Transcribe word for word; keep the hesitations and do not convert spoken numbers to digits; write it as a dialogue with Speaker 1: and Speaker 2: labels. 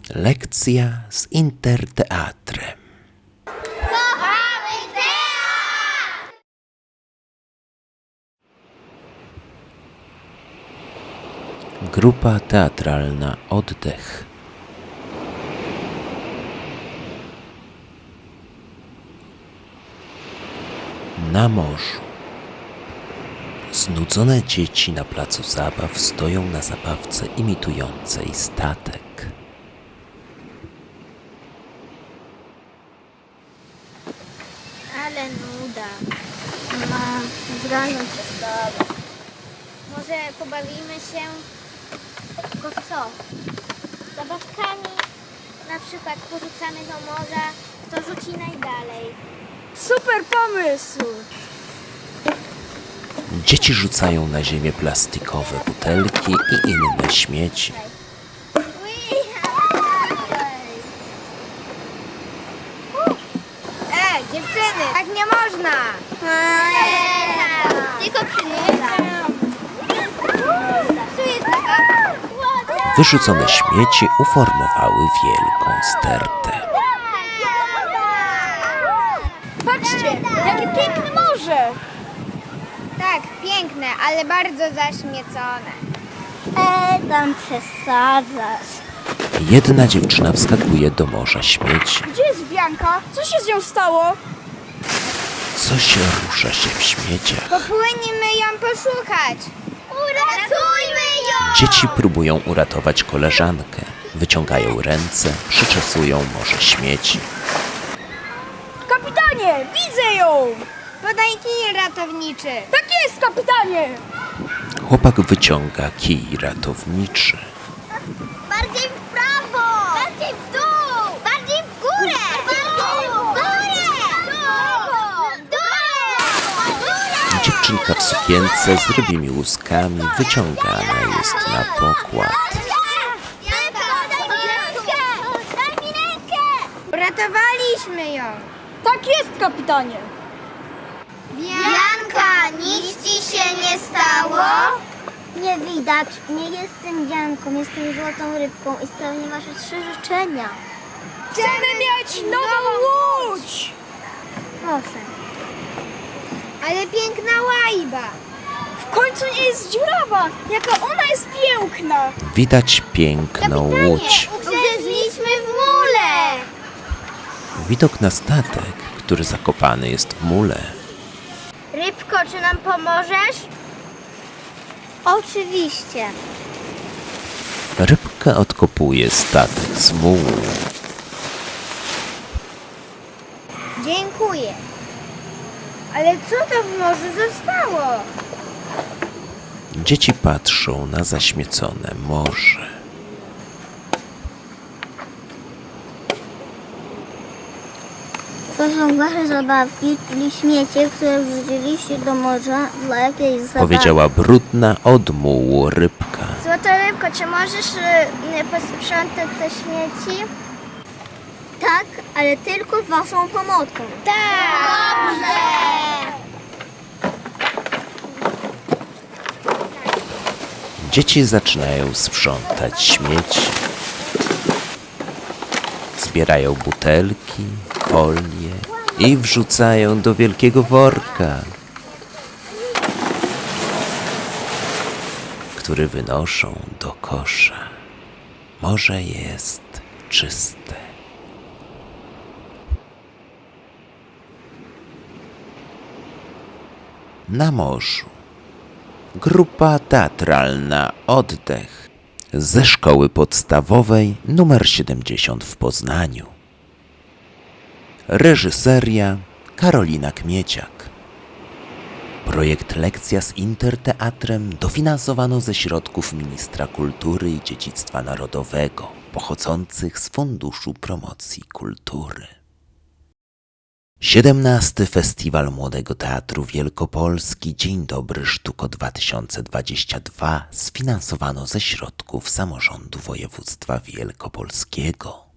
Speaker 1: Lekcja z Interteatrem.
Speaker 2: Kochamy teatr!
Speaker 1: Grupa teatralna Oddech. Na morzu. Znudzone dzieci na placu zabaw stoją na zabawce imitującej statek.
Speaker 2: Ale nuda. Mam zranią przez tobą. Może pobawimy się tylko w co? Zabawkami. Na przykład porzucamy do morza, kto rzuci najdalej.
Speaker 3: Super pomysł!
Speaker 1: Dzieci rzucają na ziemię plastikowe butelki i inne śmieci.
Speaker 2: E, dziewczyny, tak nie można! Tylko
Speaker 1: Wyrzucone śmieci uformowały wielką stertę.
Speaker 3: Patrzcie, jakie piękne morze!
Speaker 2: Tak, piękne, ale bardzo zaśmiecone. E, tam przesadzasz.
Speaker 1: Jedna dziewczyna wskakuje do morza śmieci.
Speaker 3: Gdzie jest Bianka? Co się z nią stało?
Speaker 1: Coś rusza się w śmieciach.
Speaker 2: Popłyniemy ją poszukać. Uratujmy ją!
Speaker 1: Dzieci próbują uratować koleżankę. Wyciągają ręce, przyczesują morze śmieci.
Speaker 3: Kapitanie, widzę ją!
Speaker 2: Podaj kij ratowniczy.
Speaker 3: Tak jest, kapitanie!
Speaker 1: Chłopak wyciąga kij ratowniczy.
Speaker 2: Bardziej w prawo! Bardziej w dół! Bardziej w górę! Bardziej w górę! W dół! W górę!
Speaker 1: Dziewczynka w sukience z rybimi łuskami wyciągana jest na pokład.
Speaker 2: Janka, daj mi rękę! Daj mi rękę! Uratowaliśmy ją.
Speaker 3: Tak jest, kapitanie!
Speaker 2: Janka, nic ci się nie stało? Nie widać. Nie jestem Janką, jestem złotą rybką i spełnię wasze trzy życzenia.
Speaker 3: Chcemy mieć nową łódź!
Speaker 2: Proszę. Ale piękna łajba.
Speaker 3: W końcu nie jest dziurawa! Jaka ona jest piękna!
Speaker 1: Widać piękną łódź.
Speaker 2: Ugrzęzliśmy w mule.
Speaker 1: Widok na statek, który zakopany jest w mule.
Speaker 2: Rybko, czy nam pomożesz? Oczywiście.
Speaker 1: Rybka odkopuje statek z mułu.
Speaker 2: Dziękuję. Ale co to w morzu zostało?
Speaker 1: Dzieci patrzą na zaśmiecone morze.
Speaker 2: To są wasze zabawki, czyli śmiecie, które wrzuciliście do morza dla jakiejś zabawy.
Speaker 1: Powiedziała brudna od mułu rybka.
Speaker 2: Złota rybko, czy możesz y, posprzątać te śmieci? Tak, ale tylko z waszą pomocą. Tak! Dobrze!
Speaker 1: Dzieci zaczynają sprzątać śmieci. Zbierają butelki, folie i wrzucają do wielkiego worka, który wynoszą do kosza. Morze jest czyste. Na morzu. Grupa teatralna Oddech ze szkoły podstawowej numer siedemdziesiąt w Poznaniu. Reżyseria Karolina Kmieciak. Projekt Lekcja z Interteatrem dofinansowano ze środków Ministra Kultury i Dziedzictwa Narodowego pochodzących z Funduszu Promocji Kultury. siedemnasty Festiwal Młodego Teatru Wielkopolski Dzień Dobry Sztuko dwa tysiące dwadzieścia dwa sfinansowano ze środków Samorządu Województwa Wielkopolskiego.